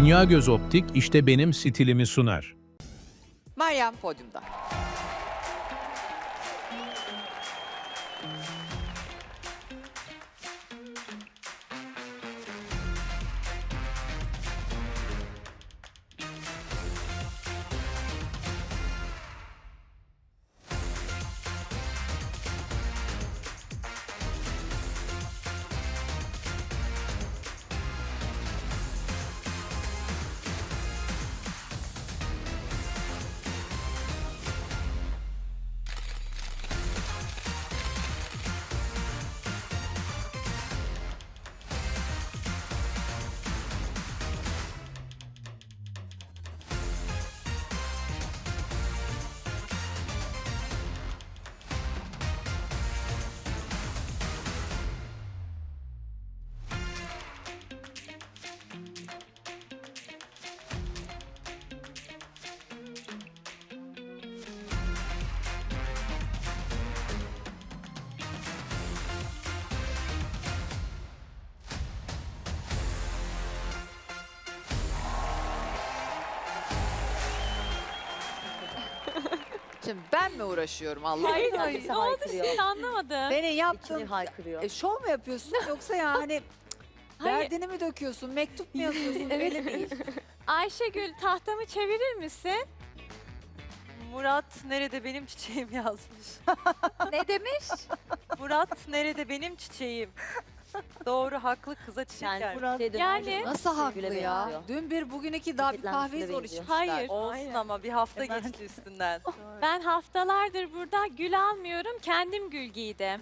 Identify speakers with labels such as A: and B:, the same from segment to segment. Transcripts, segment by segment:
A: Dünya Göz Optik işte benim stilimi sunar.
B: Meryem podyumda. Şimdi ben mi uğraşıyorum Allah?
C: Hayır,
B: Allah?
C: hayır. Ne oldu şimdi anlamadım.
B: Senin
D: İçini
B: yaptığın
D: haykırıyor.
B: şov mu yapıyorsun yoksa yani
C: Hayır.
B: derdini mi döküyorsun, mektup mu yazıyorsun belli değil.
C: Ayşegül tahtamı çevirir misin?
E: Murat nerede benim çiçeğim yazmış.
C: Ne demiş?
E: Murat nerede benim çiçeğim. Doğru haklı kıza çiçek
D: Yani
E: gelmiş.
D: Murat
C: Yani-
B: Nasıl haklı
D: Güle
B: ya?
D: benziyor.
B: Dün bir bugün iki daha bir
D: Paketlenmiş
B: kahve
D: güle
B: zor
D: benziyor.
B: içmişler.
C: Hayır.
E: Olsun ama bir hafta geçti üstünden.
C: Ben haftalardır burada gül almıyorum. Kendim gül giydim.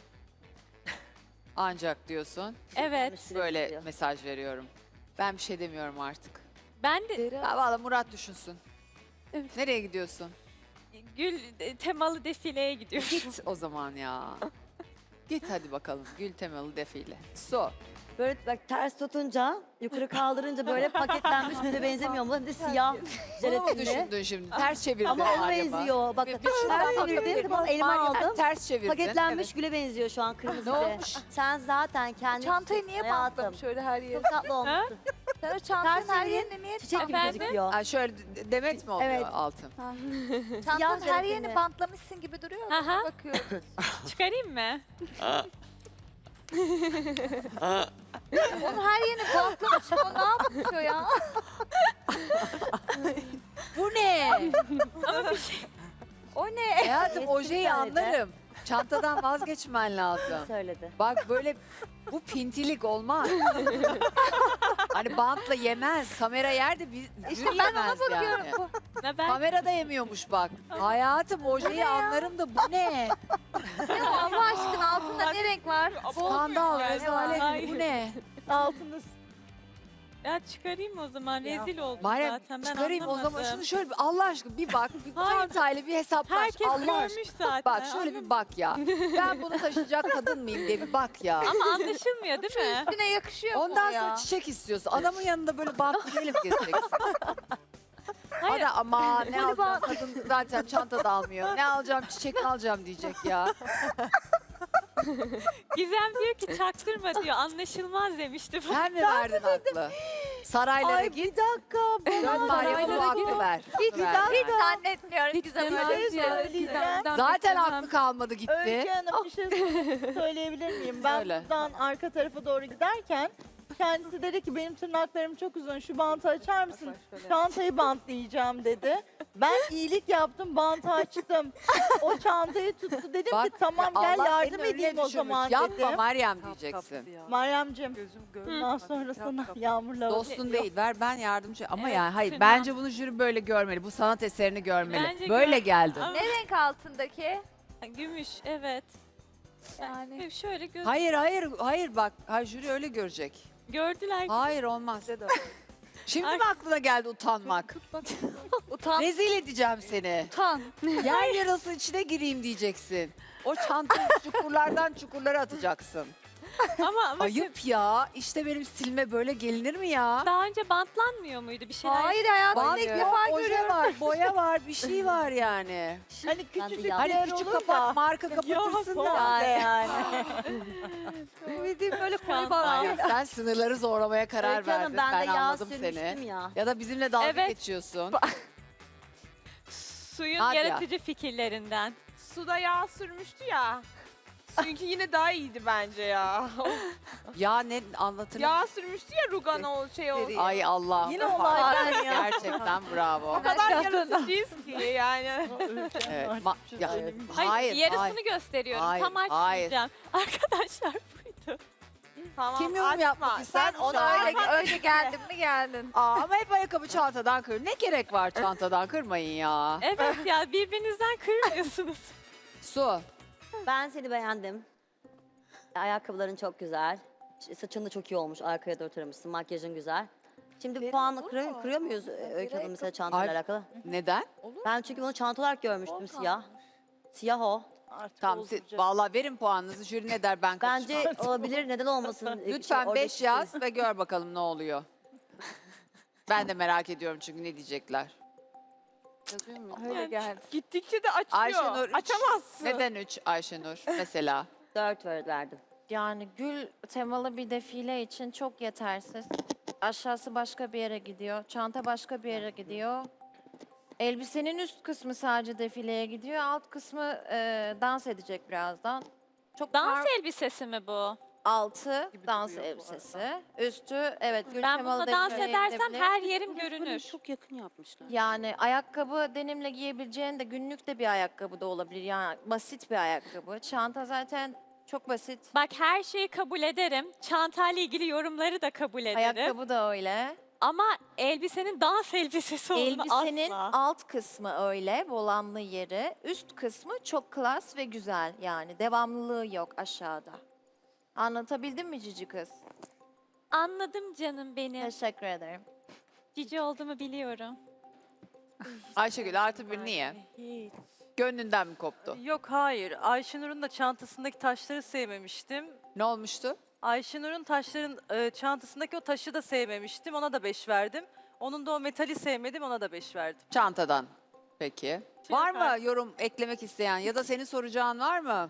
B: Ancak diyorsun.
C: Evet.
B: Böyle mesaj veriyorum. Ben bir şey demiyorum artık.
C: Ben de
B: Ya valla Murat düşünsün.
C: Evet.
B: Nereye gidiyorsun?
C: gül temalı defileye gidiyorum.
B: Git o zaman ya. Git hadi bakalım gül temalı defile. Su.
D: Böyle bak ters tutunca, yukarı kaldırınca böyle paketlenmiş güle benzemiyor mu? Bir de siyah
B: Bunu mu
D: jelatinli.
B: düşündün şimdi? Ters çevirdin
D: Ama ona
B: Meryem'e.
D: benziyor. Bak
B: Bir
D: ters
B: şuradan
D: çevirdim,
B: bakabilirim.
D: tamam elime
B: Meryem,
D: aldım.
B: Ters çevirdin.
D: Paketlenmiş güle benziyor şu an
B: Evet.
D: kırmızı.
B: Ne olmuş?
D: Sen zaten kendi
F: Çantayı niye
D: hayatım.
F: bantlamış öyle her yere?
D: Çok tatlı olmuşsun.
F: Sen o çantanın
D: Ters
F: her
D: çevirin,
F: yerine niye
D: Çiçek gibi
C: Efendim?
D: gözüküyor.
B: Ay şöyle demet mi oluyor
D: Evet.
B: altın?
F: çantanın her
D: jelatinli.
F: yerini bantlamışsın gibi duruyor.
C: Aha.
F: Bakıyorum.
C: Çıkarayım mı?
F: Onun her yerini bantlamış. O ne yapıyor ya?
B: Bu ne?
F: O ne?
B: Hayatım
D: Eski
B: ojeyi
D: bir tane de.
B: anlarım. Çantadan vazgeçmen lazım.
D: Söyledi.
B: Bak böyle bu pintilik olmaz. Hani bantla yemez. Kamera yerde bir
F: İşte
B: jüri
F: ben
B: yemez
F: ona
B: yani.
F: bakıyorum.
C: Ne ben?
B: Kamera da yemiyormuş bak. Hayatım ojeyi anlarım da bu ne?
F: Ya Allah aşkına altında ne renk var?
B: Skandal, rezalet
C: Hayır.
B: bu ne?
D: Altınız.
C: Ya çıkarayım o zaman. Rezil oldum
B: Meryem
C: zaten. Ben
B: çıkarayım o zaman
C: anlamadım.
B: şunu şöyle bir Allah aşkına bir bak. Bir
C: Hayır.
B: çantayla bir hesaplaş.
C: Herkes
B: Allah aşkına.
C: görmüş zaten.
B: Bak şöyle bir bak ya. Ben bunu taşıyacak kadın mıyım diye bir bak ya.
C: Ama anlaşılmıyor değil mi?
F: Üstüne yakışıyor mu
B: Ondan
F: o ya?
B: sonra çiçek istiyorsun. Adamın yanında böyle bantlı gelip gezeceksin.
C: Hayır.
B: Hadi ama ne alacağım kadın zaten çanta da almıyor. Ne alacağım çiçek alacağım diyecek ya.
C: Gizem diyor ki çaktırma diyor. Anlaşılmaz demişti.
B: Sen mi verdin aklı? Saraylara git.
D: dakika.
B: Dön Meryem'e bu aklı ver.
F: Hiç,
B: Ver.
F: hiç zannetmiyorum Gizem
C: Hemen
F: öyle bir şey.
D: söyleyeceğim.
B: Zaten aklı kalmadı gitti.
G: Öykü Hanım bir şey söyleyebilir miyim? Ben
B: Söyle.
G: buradan arka tarafa doğru giderken kendisi dedi ki benim tırnaklarım çok uzun şu bantı açar mısın? Çantayı bantlayacağım dedi. Ben iyilik yaptım bantı açtım. O çantayı tuttu dedim
B: Bak,
G: ki tamam
B: ya
G: gel
B: Allah
G: yardım
B: seni öyle
G: edeyim o
B: düşünmüş.
G: zaman
B: Yapma
G: dedim.
B: Meryem diyeceksin.
G: Meryem'cim
E: Gözüm
G: bundan sonra sana yağmurla
B: Dostun değil ver ben yardımcı ama
C: Evet,
B: yani hayır
C: fena.
B: bence bunu jüri böyle görmeli. Bu sanat eserini görmeli.
C: Bence
B: Böyle
C: gör-
B: geldin.
C: Ama-
F: Ne renk altındaki?
C: Gümüş evet.
F: Yani.
C: Şöyle göz
B: Hayır bak. Hayır jüri öyle görecek.
C: gördüler.
B: Hayır olmaz. Şimdi
C: Ay.
B: mi aklına geldi utanmak?
F: Utan.
B: Rezil edeceğim seni.
F: Utan.
B: Yer yarası içine gireyim diyeceksin. O çantayı çukurlardan çukurlara atacaksın.
C: ama
B: Ayıp ya. İşte benim stilime böyle gelinir mi ya?
C: daha önce bantlanmıyor muydu bir şeyler?
F: Hayır hayatımda
B: Bant
F: ilk
B: yok,
F: defa
B: oje
F: görüyorum.
B: var, boya var, bir şey var yani.
G: Hani
D: Ben de
G: küçücük
D: ya.
B: Hani
G: yer
B: küçük
G: olur
B: kapak,
G: da.
B: marka kapatırsın da.
G: Yani.
F: Bildiğim böyle koyu
C: Skandal.
F: bant.
B: Hayır, sen sınırları zorlamaya karar
D: Öykü Hanım,
B: verdin.
D: ben de
B: Ben
D: yağ
B: anladım
D: sürmüştüm
B: seni.
D: ya.
B: Ya da bizimle dalga
C: Evet.
B: geçiyorsun.
C: Suyun
B: Nadia.
C: yaratıcı fikirlerinden.
H: Suda yağ sürmüştü ya. Çünkü yine daha iyiydi bence ya.
B: Ya ne anlatır?
H: Yağ sürmüştü ya Rugan o şey oldu.
B: Ay Allah.
G: Yine olaydan ya.
B: Gerçekten bravo.
H: O kadar yaratıcıyız ki yani.
B: Evet, ya,
C: Hayır,
B: hayır,
C: yarısını
B: hayır.
C: gösteriyorum.
B: Hayır,
C: Tam açmayacağım. Arkadaşlar buydu.
H: Tamam,
B: Kim yorum
H: açma.
B: yapmak ister?
H: Sen
B: Ona
H: onu
F: Öyle geldin mi geldin.
B: Aa, ama hep ayakkabı çantadan kır. Ne gerek var çantadan kırmayın ya.
C: Evet ya birbirinizden kırmıyorsunuz.
B: Su.
D: Ben seni beğendim. Ayakkabıların çok güzel. Saçın da çok iyi olmuş. Arkaya doğru taramışsın. Makyajın güzel. Şimdi puanla kırıyor muyuz Öykü Hanım mesela çantayla
B: Ay.
D: alakalı?
B: Neden?
D: Ben çünkü bunu çanta olarak görmüştüm siyah. Siyah o.
G: Artık
B: Tamam,
G: olacak.
B: vallahi verin puanınızı. Jüri ne der ben karışmam.
D: Bence olabilir. Neden olmasın?
B: Lütfen
D: oradaki
B: 5 yaz ve gör bakalım ne oluyor. Ben de merak ediyorum çünkü ne diyecekler. Yazıyor mu?
H: Öyle geldi. Gittikçe de açıyor.
B: Ayşenur 3.
H: Açamazsın.
B: Neden 3 Ayşenur mesela?
D: 4 verdim.
I: Yani gül temalı bir defile için çok yetersiz. Aşağısı başka bir yere gidiyor. Çanta başka bir yere gidiyor. Elbisenin üst kısmı sadece defileye gidiyor. Alt kısmı dans edecek birazdan. Çok
C: Dans elbisesi mi bu?
I: altı dans elbisesi. Üstü evet gül
C: Ben
I: temalı
C: bununla dans
I: defileye
C: edersem
I: gidebilir.
C: her yerim görünür.
J: Çok yakın yapmışlar.
I: Yani ayakkabı denimle giyebileceğin de günlük de bir ayakkabı da olabilir. Yani basit bir ayakkabı. Çanta zaten çok basit.
C: Bak her şeyi kabul ederim. Çantayla ilgili yorumları da kabul ederim.
I: Ayakkabı da öyle.
C: Ama elbisenin dans elbisesi olduğunu
I: Elbisenin
C: asla.
I: alt kısmı öyle, volanlı yeri. Üst kısmı çok klas ve güzel yani. Devamlılığı yok aşağıda. Anlatabildim mi cici kız?
C: Anladım canım benim.
I: Teşekkür ederim.
C: Cici olduğumu biliyorum.
B: Ayşegül artı 1 niye?
E: Hiç.
B: Gönlünden mi koptu?
E: Yok hayır. Ayşenur'un da çantasındaki taşları sevmemiştim.
B: Ne olmuştu?
E: Ayşenur'un çantasındaki o taşı da sevmemiştim. Ona da 5 verdim. Onun da o metali sevmedim. Ona da 5 verdim.
B: Çantadan. Peki.
C: Tüy
B: Var mı
C: kart.
B: yorum eklemek isteyen ya da senin soracağın var mı?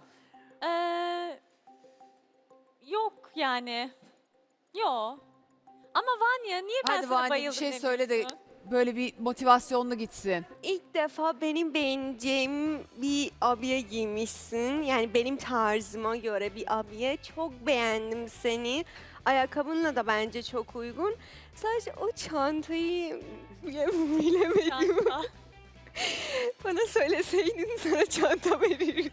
C: Yok yani. Yok. Ama Vanya niye ben
B: Hadi
C: sana
B: Vanya, bir
C: bayıldım
B: şey söyle de
C: demiyorsun?
B: böyle bir motivasyonlu gitsin.
J: İlk defa benim beğeneceğim bir abiye giymişsin. Yani benim tarzıma göre bir abiye. Çok beğendim seni. Ayakkabınla da bence çok uygun. Sadece o çantayı bilemedim.
C: Çanta.
J: Bana söyleseydin sana çanta verirdim.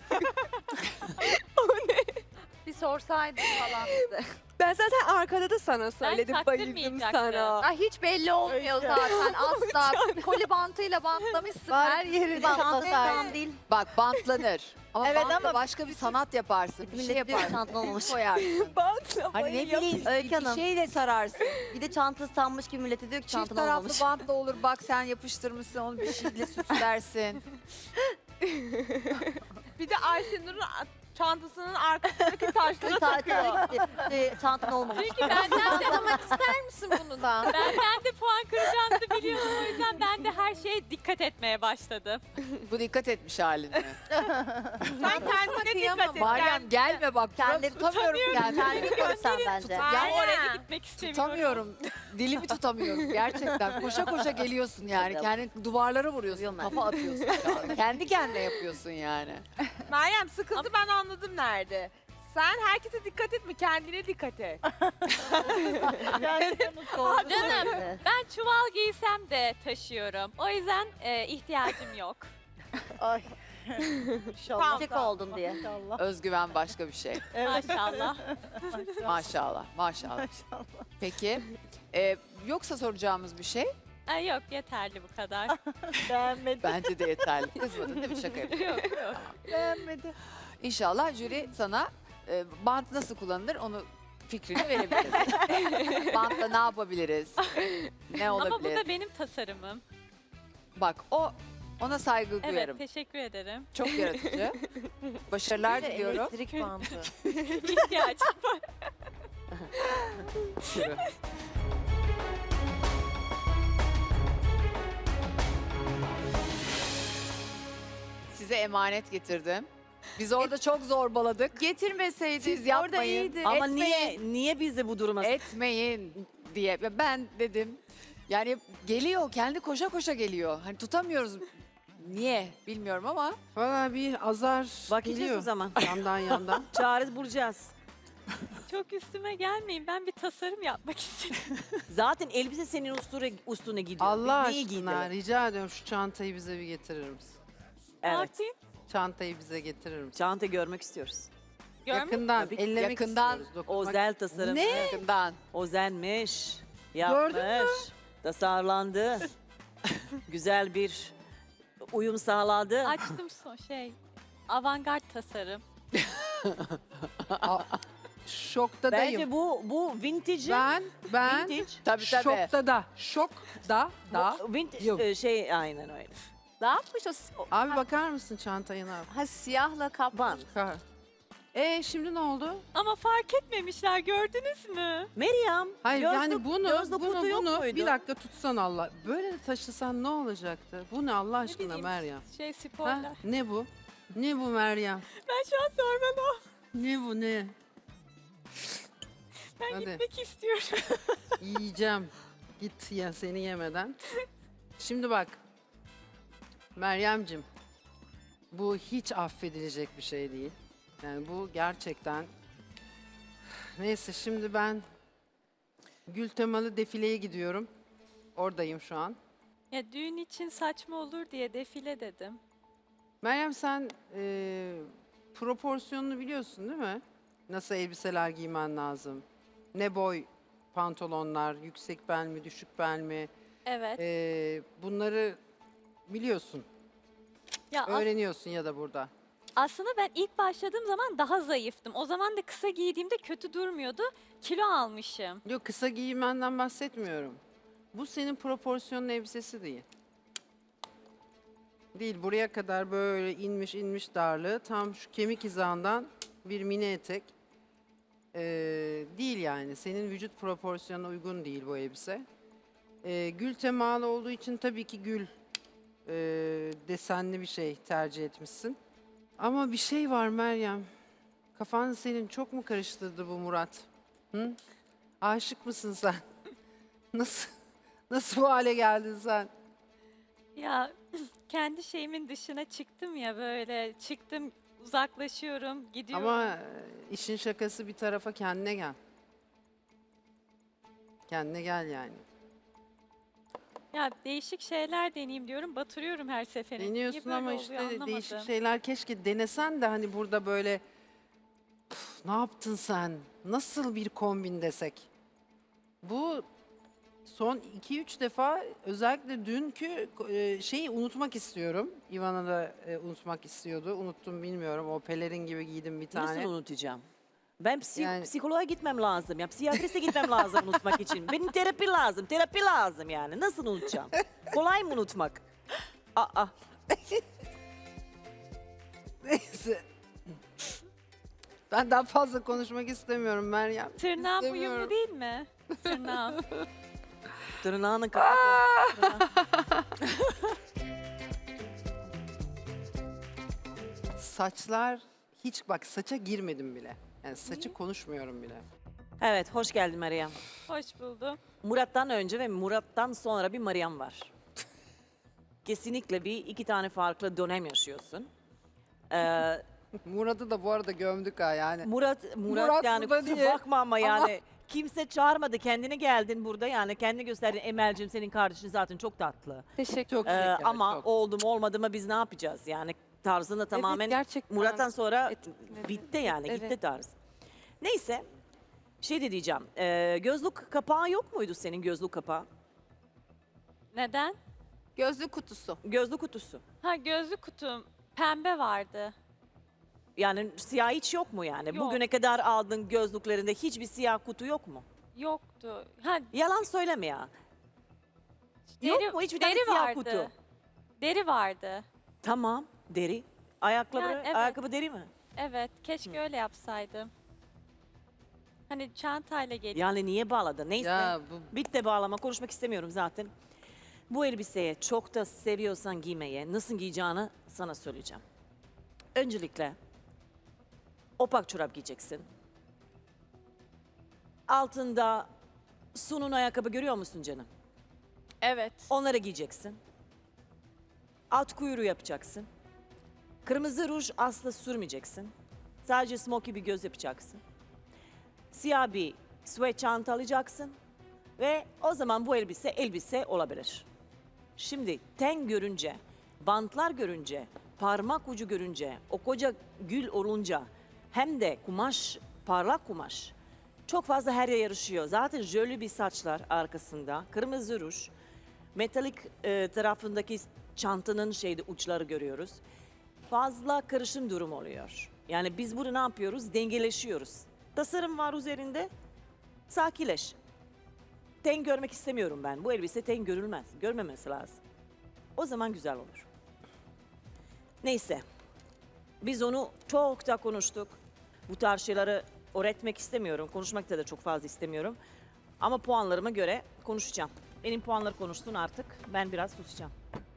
F: Bir sorsaydın falan bize.
J: Ben zaten arkada da sana söyledim. Bayıldım
C: taktırmayacaktım.
J: sana.
F: Ay hiç belli olmuyor
G: Öykü.
F: zaten asla. Koli bantıyla bantlamışsın her yeri.
D: Çantadan değil.
B: Bak bantlanır. Ama
G: Evet
B: bantla
G: ama-
B: başka bir sanat yaparsın. Bir şey
D: Millet diyor ki
B: yaparsın.
D: çantan olmamış.
B: Koyarsın.
J: Bantla
B: Hani ne bileyim
D: Öykü
B: bir
D: Hanım.
B: şeyle sararsın.
D: Bir de çantası sanmış gibi millete diyor ki
B: Çift
D: çantan
B: taraflı
D: olmamış.
B: bantla olur. Bak sen yapıştırmışsın onu bir şeyle süslersin.
H: Bir de Ayşenur'un çantasının arkasındaki taşları takıyor.
D: Çantan olmamış.
C: Çünkü benden de almak ister misin bunu da? Ben de puan kıracağınızı biliyordum. O yüzden ben de her şeye dikkat etmeye başladım.
B: Bu dikkat etmiş halin mi?
H: Sen kendine dikkat et.
B: Meryem gelme bak.
D: Kendini
B: Tutamıyorum kendimi.
D: Kendini görsen bence.
C: Ya
H: Aynen.
C: oraya da gitmek istemiyorum.
B: Tutamıyorum. Dilimi tutamıyorum gerçekten. Koşa koşa geliyorsun yani.
D: Evet.
B: Kendini duvarlara vuruyorsun.
D: Vuruyorum ben.
B: Kafa atıyorsun şu an. Kendi kendine yapıyorsun yani.
H: Meryem sıkıldı ben anladım nerede. Sen herkese dikkat etme kendine dikkat et.
G: Kendine mutlu oldum.
C: Canım
D: Evet.
C: ben çuval giysem de taşıyorum. O yüzden ihtiyacım yok.
G: Ay. İnşallah.
D: Çek oldum diye.
G: İnşallah.
B: Özgüven başka bir şey.
G: Evet.
C: Maşallah.
B: Maşallah. Maşallah.
G: Maşallah.
B: Peki. Yoksa soracağımız bir şey?
C: Ay, yok yeterli bu kadar.
G: Beğenmedi.
B: Bence de yeterli. Kızmadın değil mi? Şaka yapıyorum.
C: Yok yok.
G: Beğenmedi.
B: İnşallah jüri sana bant nasıl kullanılır onu fikrini verebilir. Bantla ne yapabiliriz? Ne
C: Ama bu
B: olabilir?
C: da benim tasarımım.
B: Bak o Ona saygı
C: Evet,
B: duyarım.
C: teşekkür ederim.
B: Çok yaratıcı. Başarılar diliyorum.
F: Elektrik bandı.
C: İhtiyacım var.
B: Size emanet getirdim. Biz orada çok zorbaladık.
H: Getirmeseydin
B: Siz
H: orada
B: yapmayın.
H: iyiydi.
K: Ama
B: Etmeyin.
K: niye bizi bu duruma
B: Etmeyin diye. Ve ben dedim yani geliyor kendi koşa koşa geliyor. Hani tutamıyoruz. Niye bilmiyorum ama.
L: Valla bir azar
K: bakacağız
L: geliyor
K: o zaman.
L: yandan yandan.
K: Çare bulacağız.
C: Çok üstüme gelmeyin. Ben bir tasarım yapmak istedim.
K: Zaten elbise senin üstüne gidiyor.
L: Allah
K: Biz neyi
L: aşkına
K: giydirelim?
L: rica ediyorum şu çantayı bize bir getirir misin?
C: Ne
K: Evet.
C: yapayım?
L: Çantayı bize getirir misin?
K: Çanta görmek istiyoruz.
C: Görmek
L: Yakından,
K: Tabii ki.
L: ellemek
B: Yakından.
L: istiyoruz. dokunmak-
K: Özel tasarım.
L: Ne?
B: Yakından.
K: Özenmiş.
L: Gördün mü?
K: Yapmış. Tasarlandı. Güzel bir uyum sağladı.
C: Açtım avantgard tasarım.
L: Şoktadayım.
K: Bence bu vintage.
L: Ben
K: vintage.
B: Tabii tabii.
L: şokta da.
K: Bu vintage
L: Yok.
K: aynen öyle.
H: Ne yapmış o?
L: Abi bakar mısın çantayı ne yap?
H: Ha siyahla kaplı.
K: Van.
L: Şimdi ne oldu?
C: Ama fark etmemişler, gördünüz mü?
K: Meryem.
L: Hayır yani
K: gözlük kutu yok muydu?
L: bir dakika tutsan Allah. Böyle de taşısan ne olacaktı? Bu ne Allah aşkına
C: bileyim.
L: Meryem?
C: Spoiler.
L: Ha? Ne bu? Ne bu Meryem?
C: Ben şu an sormalı.
L: Ne bu ne?
C: Ben
L: Hadi.
C: gitmek istiyorum.
L: Yiyeceğim. Git ya seni yemeden. Şimdi bak. Meryem'cim. Bu hiç affedilecek bir şey değil. Yani bu gerçekten... Neyse şimdi ben gül temalı defileye gidiyorum. Oradayım şu an.
C: Ya düğün için saçma olur diye defile dedim.
L: Meryem sen proporsiyonunu biliyorsun değil mi? Nasıl elbiseler giymen lazım? Ne boy pantolonlar, yüksek bel mi, düşük bel mi?
C: Evet.
L: Bunları biliyorsun,
C: Ya
L: öğreniyorsun ya da burada.
C: aslında ben ilk başladığım zaman daha zayıftım. O zaman da kısa giydiğimde kötü durmuyordu. Kilo almışım.
L: Yok kısa giymenden bahsetmiyorum. Bu senin proporsiyonun elbisesi değil. Değil buraya kadar böyle inmiş darlığı tam şu kemik hizandan bir mini etek. Değil yani senin vücut proporsiyonuna uygun değil bu elbise. Gül temalı olduğu için tabii ki gül desenli bir şey tercih etmişsin. Ama bir şey var Meryem. Kafanı senin çok mu karıştırdı bu Murat? Hı? Aşık mısın sen? Nasıl bu hale geldin sen?
C: Ya kendi şeyimin dışına çıktım ya böyle. Çıktım, uzaklaşıyorum, gidiyorum.
L: Ama işin şakası bir tarafa kendine gel. Kendine gel yani.
C: Ya değişik şeyler deneyeyim diyorum. Batırıyorum her seferinde. Niye
L: Deniyorsun
C: böyle
L: ama
C: oluyor
L: işte
C: anlamadım.
L: değişik şeyler keşke denesen de hani burada böyle "Üf, ne yaptın sen? Nasıl bir kombin desek? Bu son 2-3 defa özellikle dünkü şeyi unutmak istiyorum. Ivana da unutmak istiyordu. Unuttum bilmiyorum. O pelerin gibi giydim bir tane.
K: Nasıl unutacağım? Ben
L: Yani-
K: psikoloğa gitmem lazım. Ya psikiyatriste gitmem lazım unutmak için. Benim terapi lazım. Terapi lazım yani. Nasıl unutacağım? Kolay mı unutmak? Aa.
L: Neyse. Ben daha fazla konuşmak istemiyorum Meryem.
C: Tırnağım
L: İstemiyorum.
C: uyumlu değil mi? Tırnağım.
K: Tırnağını kapat.
L: Saçlar hiç bak saça girmedim bile. Yani saçı konuşmuyorum bile.
K: Evet, hoş geldin Meryem.
C: Hoş buldum.
K: Murat'tan önce ve Murat'tan sonra bir Meryem var. Kesinlikle iki tane farklı dönem yaşıyorsun.
L: Murat'ı da bu arada gömdük ha yani.
K: Murat yani
L: burada
K: kusura
L: diye.
K: bakma ama yani kimse çağırmadı. Kendine geldin burada yani kendini gösterdin. Emel'cim senin kardeşin zaten çok tatlı.
H: Teşekkür
L: Çok şeker,
K: Ama
L: çok.
K: oldu mu olmadı mı biz ne yapacağız? Yani tarzını tamamen
H: gerçekten.
K: Murat'tan sonra
H: etkiledi.
K: bitti yani
H: Evet.
K: gitti tarz. Neyse şey de diyeceğim. Gözlük kapağı yok muydu senin gözlük kapağı?
C: Neden?
H: Gözlük kutusu.
K: Gözlük kutusu.
C: Ha gözlük kutum pembe vardı.
K: Yani siyah hiç yok mu yani?
C: Yok.
K: Bugüne kadar aldığın gözlüklerinde hiçbir siyah kutu yok mu?
C: Yoktu. Ha
K: Yalan söyleme ya. Yok mu hiçbir tane
C: deri
K: siyah
C: vardı.
K: kutu?
C: Deri vardı.
K: Tamam, deri. Ayakkabı,
C: Yani evet.
K: ayakkabı deri mi?
C: Evet, keşke öyle yapsaydım. Hani çantayla geliyor.
K: Yani niye bağladın? Neyse.
L: Ya bu
K: Bitti bağlama. Konuşmak istemiyorum zaten. Bu elbiseye çok da seviyorsan giymeye, nasıl giyeceğini sana söyleyeceğim. Öncelikle opak çorap giyeceksin. Altında Sun'un ayakkabı görüyor musun canım?
C: Evet.
K: Onları giyeceksin. At kuyruğu yapacaksın. Kırmızı ruj asla sürmeyeceksin. Sadece smoky bir göz yapacaksın. Siyah bir sweat çanta alacaksın. Ve o zaman bu elbise olabilir. Şimdi ten görünce, bantlar görünce, parmak ucu görünce, o koca gül olunca hem de kumaş, parlak kumaş çok fazla her yere yarışıyor. Zaten jöle bir saçlar arkasında, kırmızı ruj, metalik tarafındaki çantanın uçları görüyoruz. Fazla karışım durum oluyor. Yani biz burada ne yapıyoruz? Dengeleşiyoruz. Tasarım var üzerinde, sakinleş. Ten görmek istemiyorum ben. Bu elbise ten görülmez. Görmemesi lazım. O zaman güzel olur. Neyse. Biz onu çok da konuştuk. Bu tarz şeyleri öğretmek istemiyorum. Konuşmak da çok fazla istemiyorum. Ama puanlarıma göre konuşacağım. Benim puanları konuştun artık. Ben biraz susacağım.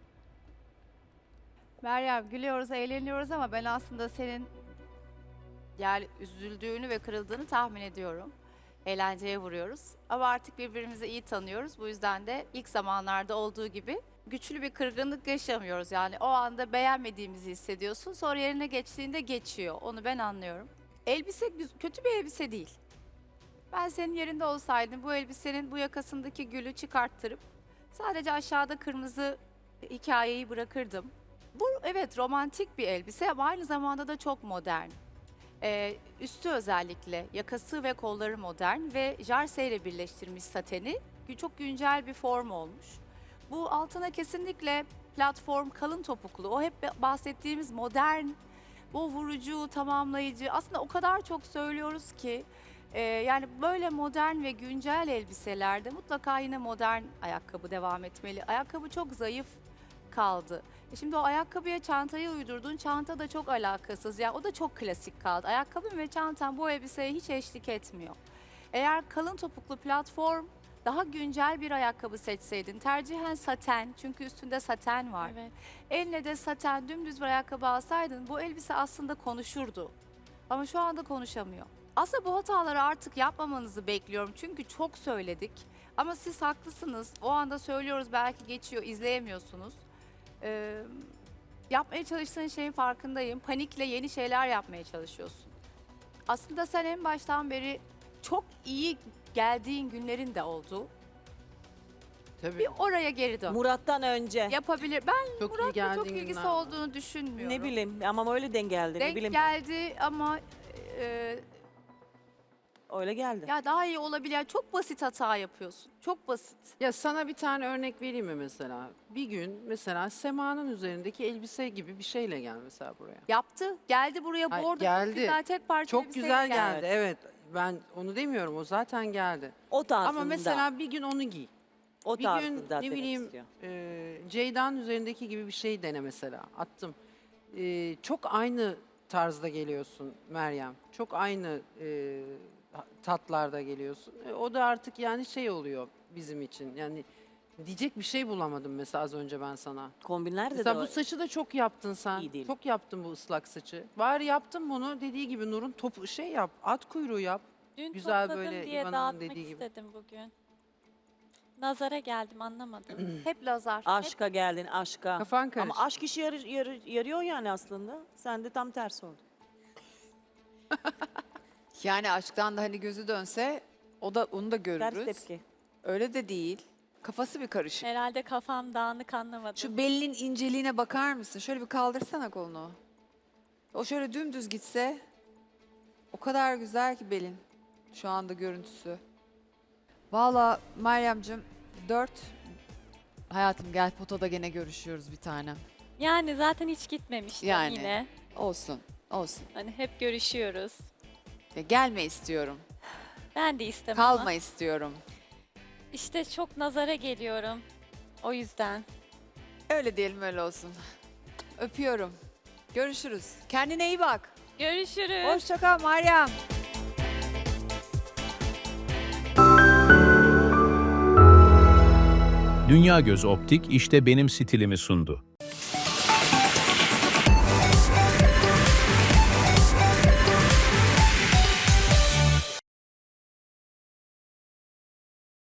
F: Meryem gülüyoruz, eğleniyoruz ama ben aslında senin yani üzüldüğünü ve kırıldığını tahmin ediyorum. Eğlenceye vuruyoruz. Ama artık birbirimizi iyi tanıyoruz. Bu yüzden de ilk zamanlarda olduğu gibi güçlü bir kırgınlık yaşamıyoruz. Yani o anda beğenmediğimizi hissediyorsun. Sonra yerine geçtiğinde geçiyor. Onu ben anlıyorum. Elbise kötü bir elbise değil. Ben senin yerinde olsaydım bu elbisenin bu yakasındaki gülü çıkarttırıp sadece aşağıda kırmızı hikayeyi bırakırdım. Bu evet romantik bir elbise ama aynı zamanda da çok modern. Üstü özellikle yakası ve kolları modern ve jarseyle birleştirmiş sateni çok güncel bir form olmuş. Bu altına kesinlikle platform kalın topuklu o hep bahsettiğimiz modern, bu vurucu, tamamlayıcı aslında o kadar çok söylüyoruz ki yani böyle modern ve güncel elbiselerde mutlaka yine modern ayakkabı devam etmeli. Ayakkabı çok zayıf kaldı. Şimdi o ayakkabıya çantayı uydurdun. Çanta da çok alakasız. Yani o da çok klasik kaldı. Ayakkabın ve çantan bu elbiseye hiç eşlik etmiyor. Eğer kalın topuklu platform daha güncel bir ayakkabı seçseydin. Tercihen saten çünkü üstünde saten var.
C: Evet.
F: Eline de saten dümdüz bir ayakkabı alsaydın bu elbise aslında konuşurdu. Ama şu anda konuşamıyor. Aslında bu hataları artık yapmamanızı bekliyorum. Çünkü çok söyledik. Ama siz haklısınız. O anda söylüyoruz belki geçiyor izleyemiyorsunuz. Yapmaya çalıştığın şeyin farkındayım. Panikle yeni şeyler yapmaya çalışıyorsun. Aslında sen en baştan beri çok iyi geldiğin günlerin de oldu.
L: tabii
F: Bir oraya geri dön.
K: Murat'tan önce.
F: Yapabilir. Ben
L: çok iyi
F: Murat'la
L: geldiğin
F: çok ilgisi
L: günler var.
F: olduğunu düşünmüyorum.
K: Ne bileyim ama öyle denk geldi. Ne
F: Denk
K: bileyim.
F: geldi ama
K: Öyle geldi.
F: ya daha iyi olabilir. Yani çok basit hata yapıyorsun. Çok basit.
L: Ya sana bir tane örnek vereyim mi mesela? Bir gün mesela Sema'nın üzerindeki elbise gibi bir şeyle gel mesela buraya.
F: Yaptı. Geldi buraya
L: Ay,
F: bordo
L: geldi.
F: çok güzel tek parça
L: Çok
F: elbiseyle
L: güzel geldi. Evet. Ben onu demiyorum. O zaten geldi.
K: O tarzında.
L: Ama mesela bir gün onu giy.
K: o
L: Bir
K: tarzında
L: gün ne
K: demek
L: bileyim
K: istiyor.
L: Ceyda'nın üzerindeki gibi bir şey dene mesela. Attım. Çok aynı tarzda geliyorsun Meryem. Çok aynı tatlarda geliyorsun. O da artık yani şey oluyor bizim için. Yani diyecek bir şey bulamadım mesela az önce ben sana.
K: Kombinler de
L: Mesela bu saçı da çok yaptın sen.
K: İyi değil.
L: Çok yaptın bu ıslak saçı. Bari yaptın bunu dediği gibi Nur'un topu şey yap. At kuyruğu yap.
C: Dün
L: Güzel
C: topladım
L: böyle
C: diye
L: İvan'ın
C: dağıtmak
L: dediği gibi.
C: istedim bugün. Nazara geldim anlamadım.
F: Hep lazar.
K: Aşka geldin aşka.
L: Kafan karıştı.
K: Ama aşk işi yarıyor yani aslında. Sen de tam tersi oldu.
B: Yani aşktan da hani gözü dönse onu da
K: Ters
B: görürüz.
K: tepki.
B: Öyle de değil. Kafası bir karışık.
C: Herhalde kafam dağınık anlamadım.
B: Şu belinin inceliğine bakar mısın? Şöyle bir kaldırsana kolunu. O şöyle dümdüz gitse o kadar güzel ki belin. Şu anda görüntüsü. Valla Meryem'cim 4. Hayatım gel potada gene görüşüyoruz bir tanem.
C: Yani zaten hiç gitmemiştim
B: Yani.
C: yine.
B: Olsun. Olsun.
C: Hani hep görüşüyoruz.
B: Ya gelme istiyorum.
C: Ben de istemem
B: Kalma
C: ama
B: istiyorum.
C: işte çok nazara geliyorum. O yüzden.
B: Öyle diyelim, öyle olsun. Öpüyorum. Görüşürüz. Kendine iyi bak.
C: Görüşürüz.
B: Hoşça kal Meryem.
A: Dünya Göz Optik işte benim stilimi sundu.